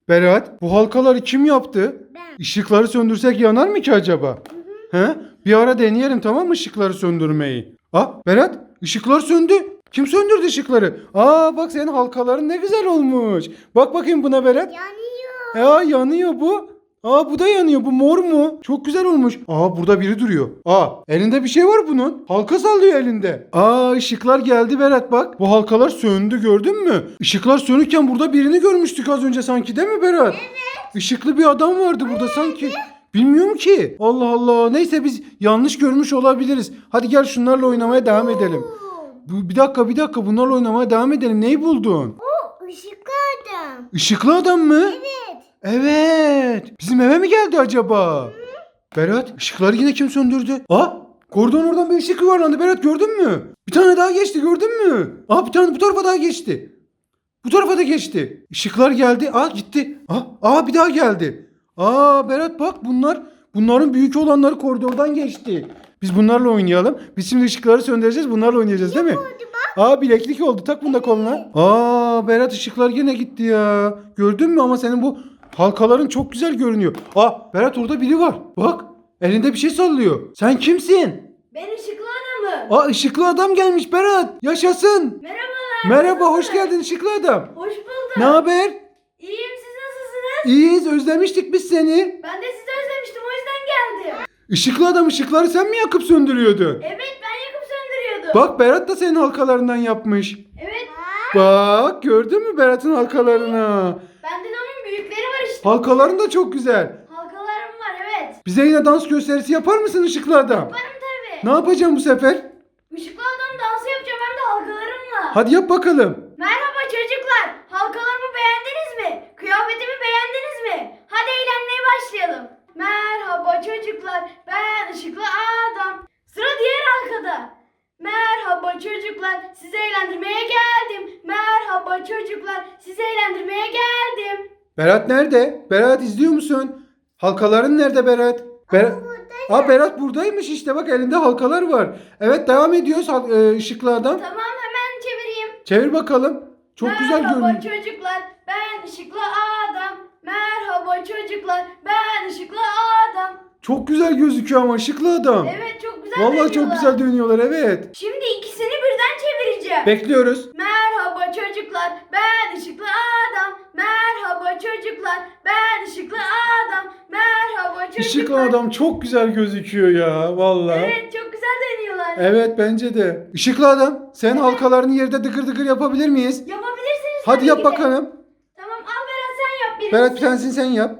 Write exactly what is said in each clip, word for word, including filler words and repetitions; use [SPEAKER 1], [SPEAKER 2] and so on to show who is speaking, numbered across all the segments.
[SPEAKER 1] Berat, bu halkaları kim yaptı?
[SPEAKER 2] Ben.
[SPEAKER 1] Işıkları söndürsek yanar mı ki acaba? He? Bir ara deneyelim, tamam mı, ışıkları söndürmeyi? Ah Berat, ışıklar söndü. Kim söndürdü ışıkları? Aa bak, senin halkaların ne güzel olmuş. Bak bakayım buna Berat.
[SPEAKER 2] Yanıyor.
[SPEAKER 1] Aa yanıyor bu. Aa bu da yanıyor. Bu mor mu? Çok güzel olmuş. Aa burada biri duruyor. Aa elinde bir şey var bunun. Halka sallıyor elinde. Aa ışıklar geldi Berat bak. Bu halkalar söndü, gördün mü? Işıklar sönükken burada birini görmüştük az önce sanki, değil mi Berat? Evet. Işıklı bir adam vardı burada sanki. Bilmiyorum ki. Allah Allah. Neyse biz yanlış görmüş olabiliriz. Hadi gel şunlarla oynamaya devam edelim. Bu, bir dakika bir dakika bunlarla oynamaya devam edelim. Neyi buldun?
[SPEAKER 2] O ışıklı adam.
[SPEAKER 1] Işıklı adam mı?
[SPEAKER 2] Evet.
[SPEAKER 1] Evet. Bizim eve mi geldi acaba? Hı? Berat, ışıkları yine kim söndürdü? Aa, koridorun oradan bir ışık yuvarlandı. Berat, gördün mü? Bir tane daha geçti, gördün mü? Aa, bir tane bu tarafa daha geçti. Bu tarafa da geçti. Işıklar geldi. Aa gitti. Aa, aa bir daha geldi. Aa Berat bak, bunlar bunların büyük olanları koridordan geçti. Biz bunlarla oynayalım. Biz şimdi ışıkları söndüreceğiz. Bunlarla oynayacağız, değil mi? Aa bileklik oldu. Tak bunu da koluna. Aa Berat, ışıklar yine gitti ya. Gördün mü, ama senin bu halkaların çok güzel görünüyor. Aa Berat, orada biri var. Bak, elinde bir şey sallıyor. Sen kimsin?
[SPEAKER 2] Ben ışıklı adamım.
[SPEAKER 1] Aa ışıklı adam gelmiş Berat. Yaşasın.
[SPEAKER 2] Merhabalar.
[SPEAKER 1] Merhaba, hoş geldin ışıklı adam.
[SPEAKER 2] Hoş bulduk.
[SPEAKER 1] Ne haber?
[SPEAKER 2] İyiyim, siz nasılsınız?
[SPEAKER 1] İyiyiz, özlemiştik biz seni.
[SPEAKER 2] Ben de sizi özlemiştim, o yüzden geldim.
[SPEAKER 1] Işıklı adam, ışıkları sen mi yakıp söndürüyordun?
[SPEAKER 2] Evet, ben yakıp söndürüyordum.
[SPEAKER 1] Bak, Berat da senin halkalarından yapmış.
[SPEAKER 2] Evet.
[SPEAKER 1] Bak, gördün mü Berat'ın halkalarını?
[SPEAKER 2] Bende de onun büyükleri var işte.
[SPEAKER 1] Halkaların da çok güzel.
[SPEAKER 2] Halkalarım var, evet.
[SPEAKER 1] Bize yine dans gösterisi yapar mısın ışıklı adam?
[SPEAKER 2] Yaparım tabii.
[SPEAKER 1] Ne yapacağım bu sefer?
[SPEAKER 2] Işıklı adam dansı yapacağım, hem de halkalarımla.
[SPEAKER 1] Hadi yap bakalım.
[SPEAKER 2] Merhaba çocuklar. Halkalarımı beğendiniz mi? Kıyafetimi beğendiniz mi? Hadi eğlenmeye başlayalım. Merhaba çocuklar. Ben ışıklı adam. Sıra diğer halkada. Merhaba çocuklar. Sizi eğlendirmeye geldim. Merhaba çocuklar. Sizi eğlendirmeye geldim.
[SPEAKER 1] Berat nerede? Berat, izliyor musun? Halkaların nerede Berat? Berat. Aa Berat buradaymış işte, bak elinde halkalar var. Evet, devam ediyoruz hal- e, ışıklı adam.
[SPEAKER 2] Tamam, hemen çevireyim.
[SPEAKER 1] Çevir bakalım. Çok güzel
[SPEAKER 2] Merhaba
[SPEAKER 1] görünüyor.
[SPEAKER 2] çocuklar. Ben ışıklı adam. Merhaba çocuklar. Ben ışıklı adam.
[SPEAKER 1] Çok güzel gözüküyor ama ışıklı adam.
[SPEAKER 2] Evet, çok güzel
[SPEAKER 1] Vallahi çok
[SPEAKER 2] dönüyorlar.
[SPEAKER 1] güzel dönüyorlar, evet.
[SPEAKER 2] Şimdi ikisini birden çevireceğim.
[SPEAKER 1] Bekliyoruz.
[SPEAKER 2] Merhaba çocuklar, ben ışıklı adam. Merhaba çocuklar, ben ışıklı adam. Merhaba çocuklar.
[SPEAKER 1] Işıklı adam çok güzel gözüküyor ya vallahi. Evet.
[SPEAKER 2] Evet, çok güzel dönüyorlar.
[SPEAKER 1] Bence de. Işıklı adam, sen halkalarını yerde dıkır dıkır yapabilir miyiz?
[SPEAKER 2] Yapabilirsiniz
[SPEAKER 1] Hadi
[SPEAKER 2] tabii
[SPEAKER 1] yap
[SPEAKER 2] ki de.
[SPEAKER 1] bakalım.
[SPEAKER 2] Tamam, al Berat, sen yap birincisi.
[SPEAKER 1] Berat, bir tanesini sen yap.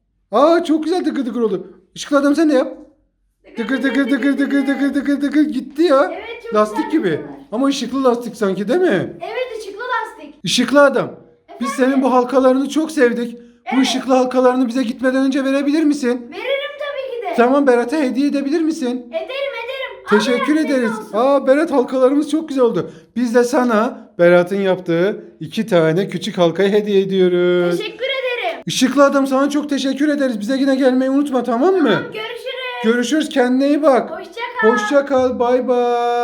[SPEAKER 1] Aa çok güzel dıkır dıkır oldu. Işıklı adam, sen de yap. Dıkır dıkır dıkır dıkır dıkır dıkır dıkır gitti ya.
[SPEAKER 2] Evet, çok
[SPEAKER 1] Lastik
[SPEAKER 2] güzel
[SPEAKER 1] gibi.
[SPEAKER 2] dönüyorlar.
[SPEAKER 1] Ama ışıklı lastik sanki, değil mi?
[SPEAKER 2] Evet, ışıklı lastik.
[SPEAKER 1] Işıklı adam. Biz
[SPEAKER 2] Efendim?
[SPEAKER 1] senin bu halkalarını çok sevdik. Bu
[SPEAKER 2] Evet.
[SPEAKER 1] ışıklı halkalarını bize gitmeden önce verebilir misin?
[SPEAKER 2] Veririm tabii ki de.
[SPEAKER 1] Tamam, Berat'a hediye edebilir misin?
[SPEAKER 2] Ederim ederim. Al
[SPEAKER 1] Teşekkür
[SPEAKER 2] Berat, senin
[SPEAKER 1] ederiz.
[SPEAKER 2] olsun.
[SPEAKER 1] Aa Berat, halkalarımız çok güzel oldu. Biz de sana Berat'ın yaptığı iki tane küçük halkayı hediye ediyoruz.
[SPEAKER 2] Teşekkür ederim.
[SPEAKER 1] Işıklı adam, sana çok teşekkür ederiz. Bize yine gelmeyi unutma, tamam mı?
[SPEAKER 2] Tamam, görüşürüz.
[SPEAKER 1] Görüşürüz, kendine iyi bak.
[SPEAKER 2] Hoşça kal.
[SPEAKER 1] Hoşça kal, bay bay.